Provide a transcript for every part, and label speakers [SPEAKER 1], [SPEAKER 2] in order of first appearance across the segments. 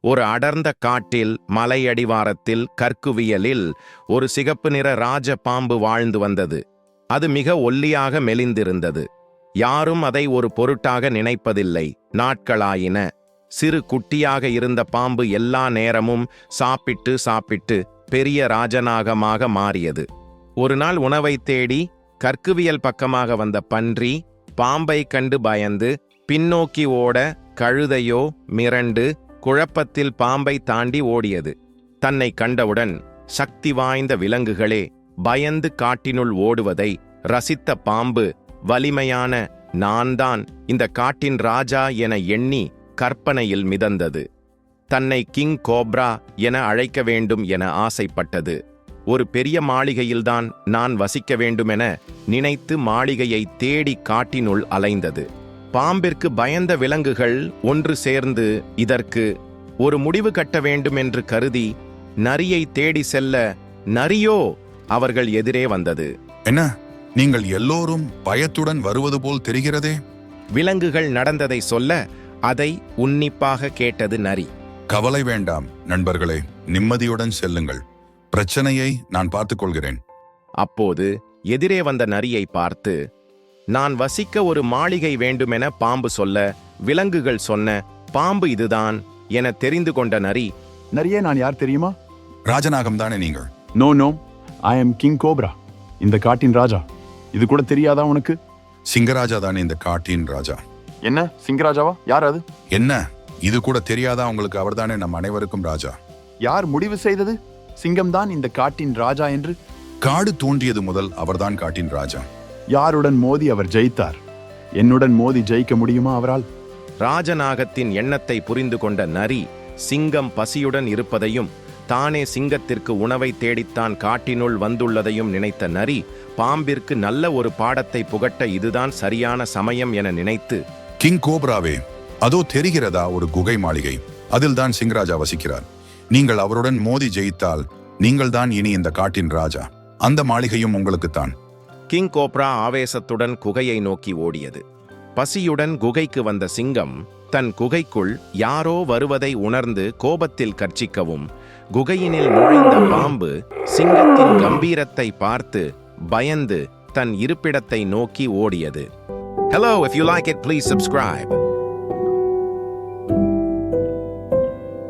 [SPEAKER 1] ஒரு அடர்ந்த காட்டில் மலையடிவாரத்தில் கற்குவியலில் ஒரு சிகப்பு நிற ராஜ பாம்பு வாழ்ந்து வந்தது. அது மிக ஒல்லியாக மெலிந்திருந்தது. யாரும் அதை ஒரு பொருட்டாக நினைப்பதில்லை. நாட்களாயின. சிறு குட்டியாக இருந்த பாம்பு எல்லா நேரமும் சாப்பிட்டு சாப்பிட்டு பெரிய ராஜநாகமாக மாறியது. ஒரு நாள் உணவை தேடி கற்குவியல் பக்கமாக வந்த பன்றி பாம்பை கண்டு பயந்து பின்னோக்கி ஓட கழுதையோ மிரண்டு குழப்பத்தில் பாம்பை தாண்டி ஓடியது. தன்னை கண்டவுடன் சக்தி வாய்ந்த விலங்குகளே பயந்து காட்டினுள் ஓடுவதை ரசித்த பாம்பு வலிமையான நான்தான் இந்த காட்டின் ராஜா என எண்ணி கற்பனையில் மிதந்தது. தன்னை கிங் கோப்ரா என அழைக்க வேண்டும் என ஆசைப்பட்டது. ஒரு பெரிய மாளிகையில்தான் நான் வசிக்க வேண்டுமென நினைத்து மாளிகையை தேடி காட்டினுள் அலைந்தது. பாம்பிற்கு பயந்த விலங்குகள் ஒன்று சேர்ந்து இதற்கு ஒரு முடிவு கட்ட வேண்டும் என்று கருதி நரியை தேடி செல்ல நரியோ அவர்கள் எதிரே வந்தது.
[SPEAKER 2] என்ன, நீங்கள் எல்லோரும் பயத்துடன் வருவது போல் தெரிகிறதே.
[SPEAKER 1] விலங்குகள் நடந்ததை சொல்ல அதை உன்னிப்பாக கேட்டது நரி.
[SPEAKER 2] கவலை வேண்டாம் நண்பர்களே, நிம்மதியுடன் செல்லுங்கள். பிரச்சனையை நான் பார்த்துக் கொள்கிறேன்.
[SPEAKER 1] அப்போது எதிரே வந்த நரியை பார்த்து, நான் வசிக்க ஒரு மாளிகை வேண்டுமென பாம்பு சொல்ல விலங்குகள் சொன்ன பாம்பு இதுதான் என தெரிந்து கொண்ட நரி,
[SPEAKER 3] நரியே, நான் யார் தெரியுமா?
[SPEAKER 2] ராஜநாகம் தானே நீங்கள்?
[SPEAKER 3] No no, I am king cobra, இந்த காட்டின் ராஜா. இது கூட தெரியாதா உனக்கு?
[SPEAKER 2] சிங்கராஜா தானே இந்த காட்டின் ராஜா.
[SPEAKER 3] என்ன, சிங்கராஜாவா? யார் அது?
[SPEAKER 2] என்ன, இது கூட தெரியாதா உங்களுக்கு? அவர்தானே நம் அனைவருக்கும் ராஜா.
[SPEAKER 3] யார் முடிவு செய்தது சிங்கம்தான் இந்த காட்டின் ராஜா என்று?
[SPEAKER 2] காடு தோன்றியது முதல் அவர்தான் காட்டின் ராஜா.
[SPEAKER 3] யாருடன் மோதி அவர் ஜெயித்தார்? என்னுடன் மோதி ஜெயிக்க முடியுமா அவரால்?
[SPEAKER 1] ராஜநாகத்தின் எண்ணத்தை புரிந்து கொண்ட நரி சிங்கம் பசியுடன் இருப்பதையும் தானே சிங்கத்திற்கு உணவை தேடித்தான் காட்டினுள் வந்துள்ளதையும் நினைத்த நரி பாம்பிற்கு நல்ல ஒரு பாடத்தை புகட்ட இதுதான் சரியான சமயம் என நினைத்து,
[SPEAKER 2] கிங் கோப்ராவே, அதோ தெரிகிறதா ஒரு குகை மாளிகை? அதில்தான் சிங்கராஜா வசிக்கிறார். நீங்கள் அவருடன் மோதி ஜெயித்தால் நீங்கள் தான் இனி இந்த காட்டின் ராஜா. அந்த மாளிகையும் உங்களுக்குத்தான்.
[SPEAKER 1] கிங் கோப்ரா ஆவேசத்துடன் குகையை நோக்கி ஓடியது. பசியுடன் குகைக்கு வந்த சிங்கம் தன் குகைக்குள் யாரோ வருவதை உணர்ந்து கோபத்தில் கர்ச்சிக்கவும், குகையினில் நுழைந்த பாம்பு சிங்கத்தின் கம்பீரத்தை பார்த்து பயந்து தன் இருப்பிடத்தை நோக்கி ஓடியது. Hello, if you like it, please subscribe.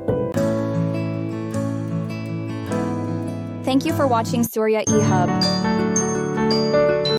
[SPEAKER 4] Thank you for watching Surya eHub.